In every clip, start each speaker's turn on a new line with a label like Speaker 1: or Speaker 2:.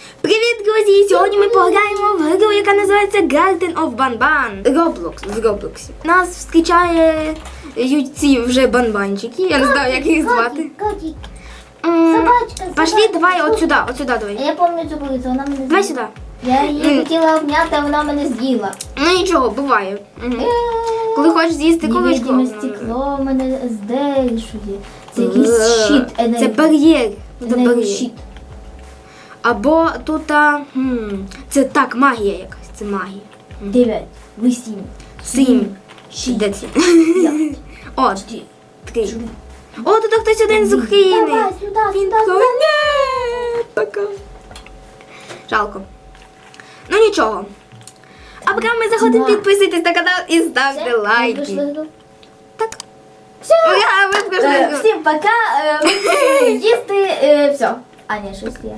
Speaker 1: Привіт, друзі! Сьогодні ми пограємо в гру, яка називається Garden of Banban. Roblox, в Роблоксі. Нас зустрічає ці вже банбанчики. Я не знаю, як їх звати.
Speaker 2: Котик. Собачка.
Speaker 1: Пошли, давай от сюди давай.
Speaker 2: Я пам'ятаю цю курицю, вона мене з'їла.
Speaker 1: Давай сюди.
Speaker 2: Я її хотіла обняти, а вона мене з'їла.
Speaker 1: Ну нічого, буває. Коли хочеш з'їсти курочку.
Speaker 2: Невидиме стекло мене здержує. Це якийсь щит енергії.
Speaker 1: Це бар'єр. Це бар'єр.
Speaker 2: Щит.
Speaker 1: Або тут, це так, магія якась, це магія.
Speaker 2: 9, 8,
Speaker 1: 7.
Speaker 2: 6,
Speaker 1: Де це?
Speaker 2: 5,
Speaker 1: О, 3. О, тут хтось один з України.
Speaker 2: Давай, сюди,
Speaker 1: Він
Speaker 2: сюди,
Speaker 1: такий, ні, пока. Жалко. Ну нічого. А поки ми заходимо, підписуйтесь на канал і ставте лайки. Так.
Speaker 2: Все.
Speaker 1: Ура, ви пройшли гру.
Speaker 2: Всім пока. Ми пішли їсти. Все. А, ні, щось є.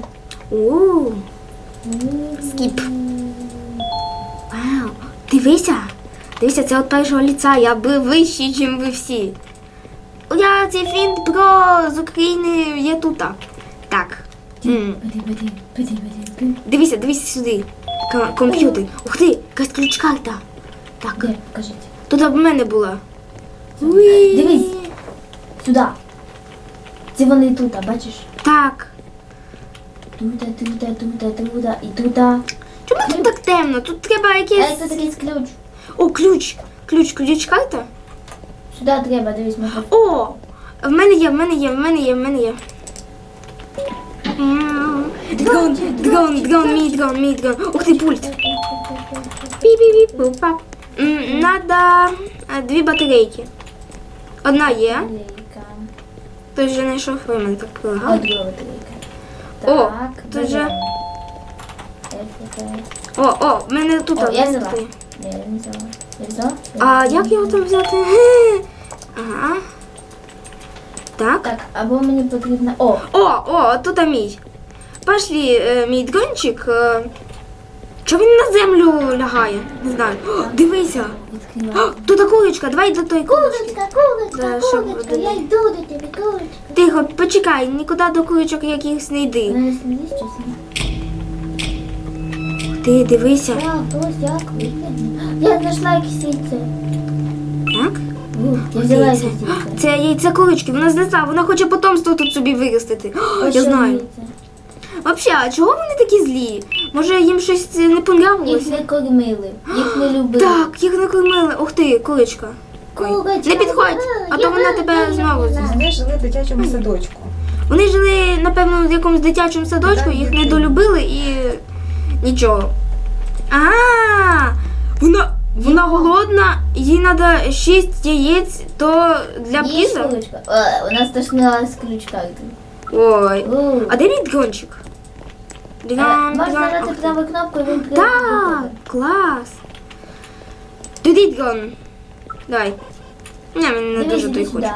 Speaker 1: Скіп. Вау. Дивися. Дивися, це от першого ліца. Я би вищий, ніж ви всі. Ура, цей фінт про з України є тут. Так. Дивися, дивися сюди. Комп'ютер. Ух ти, якась ключ-карта. Так.
Speaker 2: Де? Покажіть.
Speaker 1: Тут в мене була.
Speaker 2: Дивись. Сюди. Це вони тут, бачиш?
Speaker 1: Так.
Speaker 2: Тут і тут.
Speaker 1: Чому тут так темно? Тут треба
Speaker 2: А
Speaker 1: якийсь...
Speaker 2: це такий ключ.
Speaker 1: О, ключ. Ключ-карта.
Speaker 2: Сюди треба, дивись, ми
Speaker 1: О! В мене є. Дрон, мій дрон. Ух ти, пульт. Пі-пі-пі-пу-пап. Надо 2 батарейки. Одна є. Той вже знайшов, ой, мене так прилагало.
Speaker 2: Друга батарейка.
Speaker 1: О,
Speaker 2: Так,
Speaker 1: тут же...
Speaker 2: беремо.
Speaker 1: О, в мене тут.
Speaker 2: О, я
Speaker 1: одна
Speaker 2: взяла.
Speaker 1: стоїть.
Speaker 2: Ні, я не взяла. Я взяла?
Speaker 1: А як його там взяти? Ага. Так.
Speaker 2: Так, або мені потрібно...
Speaker 1: О, тут мій. Пошли, мій дрончик. Чого він на землю лягає? Не знаю. О, дивися.
Speaker 2: Відкрила.
Speaker 1: Тут курочка, давай до той курочки. Да, щоб
Speaker 2: Курочка,
Speaker 1: один.
Speaker 2: я йду до тебе, курочка.
Speaker 1: Тихо, почекай, нікуди до курочок якихось не йди.
Speaker 2: Вона не слідить, що це?
Speaker 1: Ти дивися.
Speaker 2: Ось як виглядно. Я знайшла якісь яйце.
Speaker 1: Так?
Speaker 2: Я взяла якісь
Speaker 1: Яйце.
Speaker 2: яйце.
Speaker 1: Це яйце курочки, вона знесла, вона хоче потомство тут собі виростити.
Speaker 2: Ось
Speaker 1: Я
Speaker 2: ще
Speaker 1: знаю.
Speaker 2: яйце.
Speaker 1: Взагалі, а чого вони такі злі? Може їм щось не
Speaker 2: Їх
Speaker 1: понравилося?
Speaker 2: не кормили, їх не любили.
Speaker 1: Так, їх не кормили. Ух ти, курочка. Ой,
Speaker 2: Курочка,
Speaker 1: не підходь, а то вона тебе знову з'їсть.
Speaker 3: Вони жили в дитячому садочку.
Speaker 1: Вони жили, напевно, в якомусь дитячому садочку, їх не долюбили і нічого. Вона голодна, їй треба 6 яєць, то для
Speaker 2: Їж
Speaker 1: піза.
Speaker 2: курочка. Вона стошнила з ключ-карти.
Speaker 1: Ой. А де мій дрончик?
Speaker 2: Можна нажати праву кнопку і він прийде.
Speaker 1: Так, клас. Туди дрон. Давай. Ні, мені не дуже той хоче.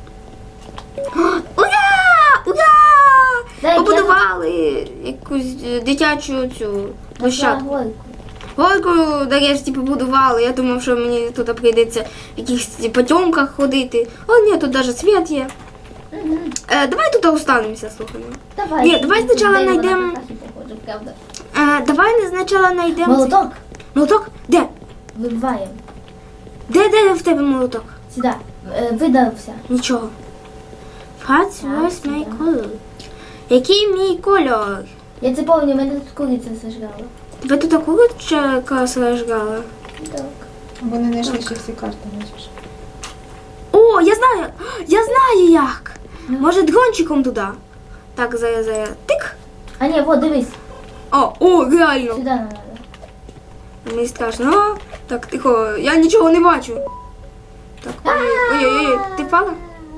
Speaker 1: Ура! Ура!
Speaker 2: Дай,
Speaker 1: Побудували якусь дитячу цю площадку. Горку нарешті побудували. Я думав, що мені тут прийдеться в якихось потьомках ходити. О, ні, тут навіть світ є. Давай тут останемося, слухай.
Speaker 2: Давай.
Speaker 1: Ні, давай спочатку знайдемо. Давай спочатку знайдемо.
Speaker 2: Молоток.
Speaker 1: Молоток? Де?
Speaker 2: Вибиваємо.
Speaker 1: Де в тебе молоток?
Speaker 2: Сюди. Видався.
Speaker 1: Нічого. What's my color? Який мій кольор?
Speaker 2: Я це пам'ятаю, мене тут куриця зажрала.
Speaker 1: Тебе тут курочка сражгала?
Speaker 2: Так.
Speaker 3: Вони знайшли ще всі карти, бачиш.
Speaker 1: О, я знаю як. Може дрончиком туди? Так, зараз. Тик.
Speaker 2: А ні, вот, дивись.
Speaker 1: О, реально.
Speaker 2: Сюди нам треба.
Speaker 1: Мені страшно. Так, тихо, я нічого не бачу. Так, ой, ти впала?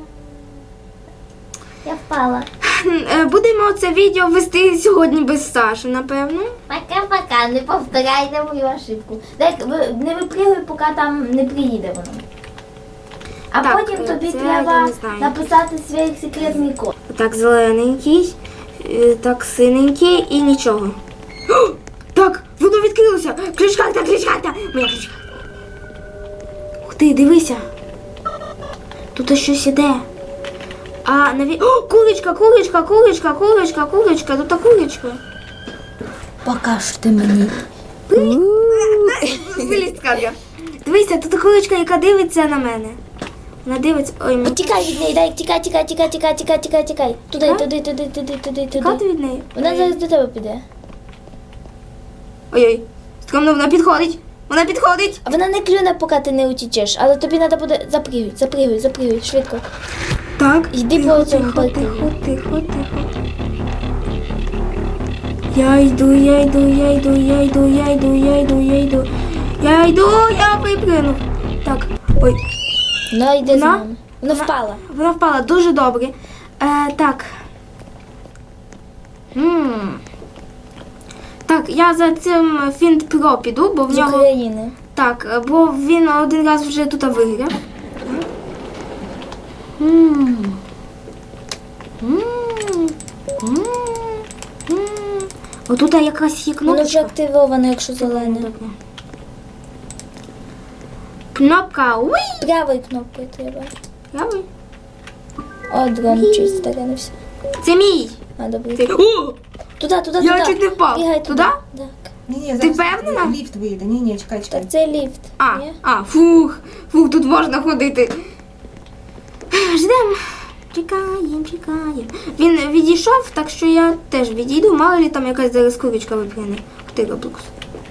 Speaker 2: Я впала.
Speaker 1: Будемо це відео вести сьогодні без Саші, напевно.
Speaker 2: Пока-пока, не повторяйте мою ошибку. Так, не випригуй, поки там не приїде воно. А
Speaker 1: Так,
Speaker 2: потім тобі
Speaker 1: це
Speaker 2: треба
Speaker 1: я не знаю.
Speaker 2: написати свій секретний код.
Speaker 1: Так, зелененький, так, синенький і нічого. О, так, воно відкрилося. Ключ-карта. Моя ключ-карта. Ух ти, дивися. Тут щось іде. О, курочка, тут курочка.
Speaker 2: Покажете мені.
Speaker 1: Вилізь з кадра. Дивися, тут курочка, яка дивиться на мене. Вона дивиться. Ой, мені
Speaker 2: Тікай від неї, дай, тікай. Туди.
Speaker 1: тікати від неї.
Speaker 2: Вона зараз до тебе піде.
Speaker 1: Ой-ой. Скромно, вона підходить. Вона підходить.
Speaker 2: А вона не клюне, поки ти не утічеш, але тобі треба буде запригуй, швидко.
Speaker 1: Так.
Speaker 2: Йди
Speaker 1: тихо,
Speaker 2: по цьому
Speaker 1: тихо,
Speaker 2: парку.
Speaker 1: тихо. Я йду. Я випринув. Так. Ой.
Speaker 2: Ну, йди з
Speaker 1: Вона?
Speaker 2: нами. Вона впала.
Speaker 1: Вона впала дуже добре. Так. Так, я за цим Фінт Про піду, бо в
Speaker 2: З
Speaker 1: нього.
Speaker 2: України.
Speaker 1: Так, бо він один раз вже тут виграв. Отут якась є
Speaker 2: Воно вже
Speaker 1: кнопочка.
Speaker 2: активовано, якщо зелене.
Speaker 1: Кнопка. Уй!
Speaker 2: Правою кнопкою треба.
Speaker 1: Правий.
Speaker 2: О, дрон чуть старенився.
Speaker 1: Це мій.
Speaker 2: А, добре.
Speaker 1: Це... О!
Speaker 2: Туди.
Speaker 1: Я чуть не впав.
Speaker 2: Бігай
Speaker 1: Туди?
Speaker 2: Так.
Speaker 3: Ні,
Speaker 1: Ти
Speaker 3: зараз
Speaker 1: впевнена?
Speaker 3: ліфт вийде. Ні, чекай.
Speaker 2: Так, це ліфт.
Speaker 1: Фух, тут можна ходити. Ждем. Чекаємо. Він відійшов, так що я теж відійду. Мало ли там якась зараз курочка випряне. Ти Роблокс.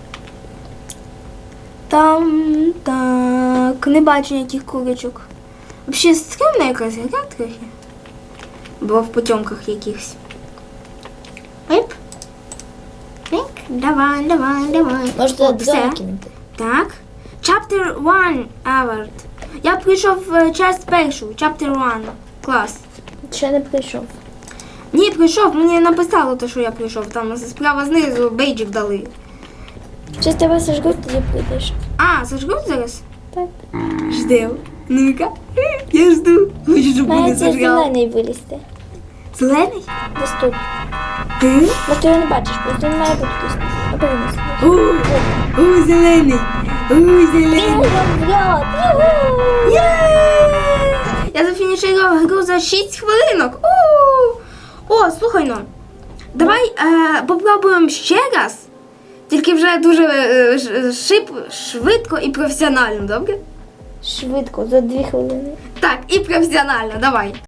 Speaker 1: Там, так, не бачу ніяких курочок. Взагалі стрімна якась гра трохи. Бо в потьомках якихось. Оп. Так, давай.
Speaker 2: Може,
Speaker 1: О,
Speaker 2: туди
Speaker 1: все.
Speaker 2: дрон кинути.
Speaker 1: Так. Chapter 1 Award. Я прийшов в часть першу. Chapter 1. Клас.
Speaker 2: Ще не прийшов.
Speaker 1: Ні, прийшов. Мені написало те, що я прийшов. Там справа знизу бейджик дали.
Speaker 2: Щось тебе сожгуть, тоді прийдеш.
Speaker 1: Сожгуть зараз?
Speaker 2: Так.
Speaker 1: Ждем. Ну-ка. Я жду. Хочу, щоб
Speaker 2: Має
Speaker 1: мене
Speaker 2: цей
Speaker 1: сожгали.
Speaker 2: зелений вилізти.
Speaker 1: Зелений?
Speaker 2: Десь тут.
Speaker 1: Ти?
Speaker 2: Бо ти його не бачиш, просто він має бути тут. Обернись.
Speaker 1: О, зелений.
Speaker 2: Він вряд.
Speaker 1: Є! Я зафінішувала гру за 6 хвилинок. О, слухай, ну. Давай попробуємо ще раз. Тільки вже дуже швидко і професіонально, добре?
Speaker 2: Швидко, за 2 хвилини.
Speaker 1: Так, і професіонально, давай.